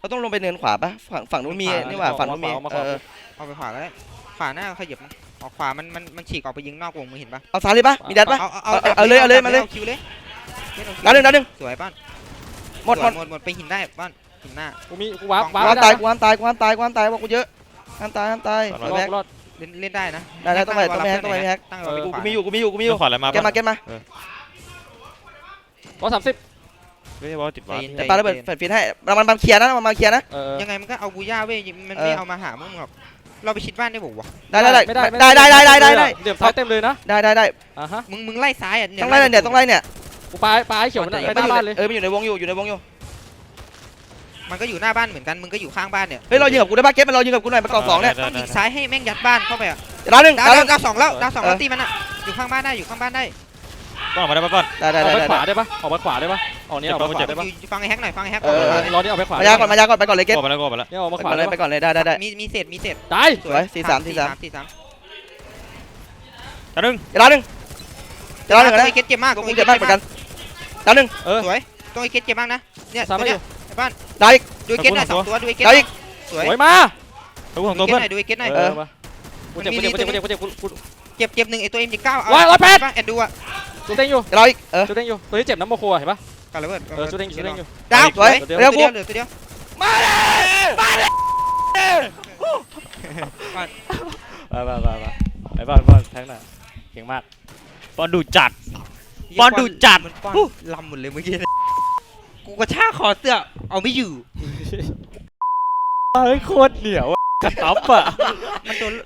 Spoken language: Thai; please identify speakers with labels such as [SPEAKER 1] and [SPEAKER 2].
[SPEAKER 1] เขาต้องลงไปเนินขวาปะฝั่งนู้นมีนี่หว่าฝั่งนู้นมี
[SPEAKER 2] เอาไปขวาก็ได้ขวาหน้าขยับออกขวามันฉีกออกไปยิงนอกวงมึงเห็นปะ
[SPEAKER 1] เอาซ้ายเลยปะมีดัดปะ
[SPEAKER 2] เอา
[SPEAKER 1] เลยมาเลย
[SPEAKER 2] คิวเลย
[SPEAKER 1] ดาวหนึ่ง
[SPEAKER 2] สวยป้าน
[SPEAKER 1] หมด
[SPEAKER 2] ไปหินได้ป้านหินหน้า
[SPEAKER 3] กูว้า
[SPEAKER 1] กูห้ามตายบอกกูเยอะห้ามตาย
[SPEAKER 3] รอด
[SPEAKER 2] เล่นได้นะ
[SPEAKER 1] ได้ต้องไปแฮกกูมีอยู่
[SPEAKER 4] ขวาอะไรมา
[SPEAKER 1] เก็บมา
[SPEAKER 3] 130
[SPEAKER 4] ไม่ใช่ว่าติดวาร์ป
[SPEAKER 1] แต่ปาระเบิดแฟดฟินให้มันเคลียร์นะมันเคลียร์นะ
[SPEAKER 2] ยังไงมันก็เอาบูย่าเว้ยมันไม่เอามาหามึงหรอกเราไปชิดบ้านได้บอกวะ
[SPEAKER 1] ได้
[SPEAKER 3] เดี๋ยวซ้ายเต็มเลยนะ
[SPEAKER 1] ได้
[SPEAKER 3] ฮะ
[SPEAKER 2] มึงไล่ซ้ายอ่ะ
[SPEAKER 1] ต้องไล่เนี่ย
[SPEAKER 3] กูปลายเขียวมันไปหน้าบ้านเลย
[SPEAKER 1] มันอยู่ในวงอยู่
[SPEAKER 2] มันก็อยู่หน้าบ้านเหมือนกันมึงก็อยู่ข้างบ้านเนี่ย
[SPEAKER 1] เฮ้ยเรายิงกับกูได้ปะเก็บมันเรายิงกับกูหน่อยมาเกาะ2เนี่ย
[SPEAKER 2] ต้องยิงซ้ายให้แม่งยัดบ้านเข้าไปอ่ะ
[SPEAKER 1] ดาวหนึ่ง
[SPEAKER 2] ดาวสองแล้วตีมันอ่ะอยู่ข้างบ้านได้
[SPEAKER 4] ป้อนออกมาได้ป้อน
[SPEAKER 1] ได้
[SPEAKER 3] ออกไปขวาได้ปะออกไปขวาได้ปะออกนี้ออกไปขวาได้ปะ
[SPEAKER 2] ฟังไอ้แฮกหน่อยฟังไอ้แฮก
[SPEAKER 3] รอนี่ออกไปขวาม
[SPEAKER 1] ายาก่อนไปก่อนเลยเก็บ
[SPEAKER 4] กไปแล้ว
[SPEAKER 3] เนี่ยออกมาขวา
[SPEAKER 1] ไปก่อนเลยได้
[SPEAKER 2] มีเศษ
[SPEAKER 3] ตาย
[SPEAKER 1] สวย43
[SPEAKER 4] ดาวหนึ่ง
[SPEAKER 1] นะ
[SPEAKER 2] ไอ้เก็ตเจ็บมาก
[SPEAKER 1] กูเจ็บมากเหมือนกันดาวหนึ่ง
[SPEAKER 2] สวยต้องไอ้เก็ตเจ็บมากนะเนี่ย
[SPEAKER 3] ซ้ำไม่อยู่
[SPEAKER 2] บ้าน
[SPEAKER 1] ดาวอีก
[SPEAKER 2] ดูเก็ตหน่อย2ตัวดูไอ้เก็ตสวย
[SPEAKER 3] มา
[SPEAKER 4] ตัวของตัวเพื่อน
[SPEAKER 2] ดูไอ้เก็ตหน่อย
[SPEAKER 3] กูเจ็บ
[SPEAKER 2] เจ็บ1ไอ้ตัว M19 เอาแอนดูอ่ะ
[SPEAKER 3] จุดเด้งอยู่
[SPEAKER 1] ดาวอีก
[SPEAKER 3] จุดเด้งอยู่ตัวที่เจ็บน้ำโมโคเห็นปะ
[SPEAKER 2] กันระเบิด
[SPEAKER 3] จุดเด้งอยู่
[SPEAKER 2] ดาวสวย
[SPEAKER 1] เดี๋ยวกู
[SPEAKER 2] เหลือตัวเดียว
[SPEAKER 1] มาเลย
[SPEAKER 3] ไปบ้านแทงหน่ะเก่งมาก
[SPEAKER 4] ป้อนดูจัดป้อน
[SPEAKER 2] ลำหมดเลยเมื่อกี้กูกระชากคอเสื้อเอาไม่อยู่
[SPEAKER 3] เฮ้ยโคตรเหนียวกระต๊อบอ่ะ
[SPEAKER 2] มันโดน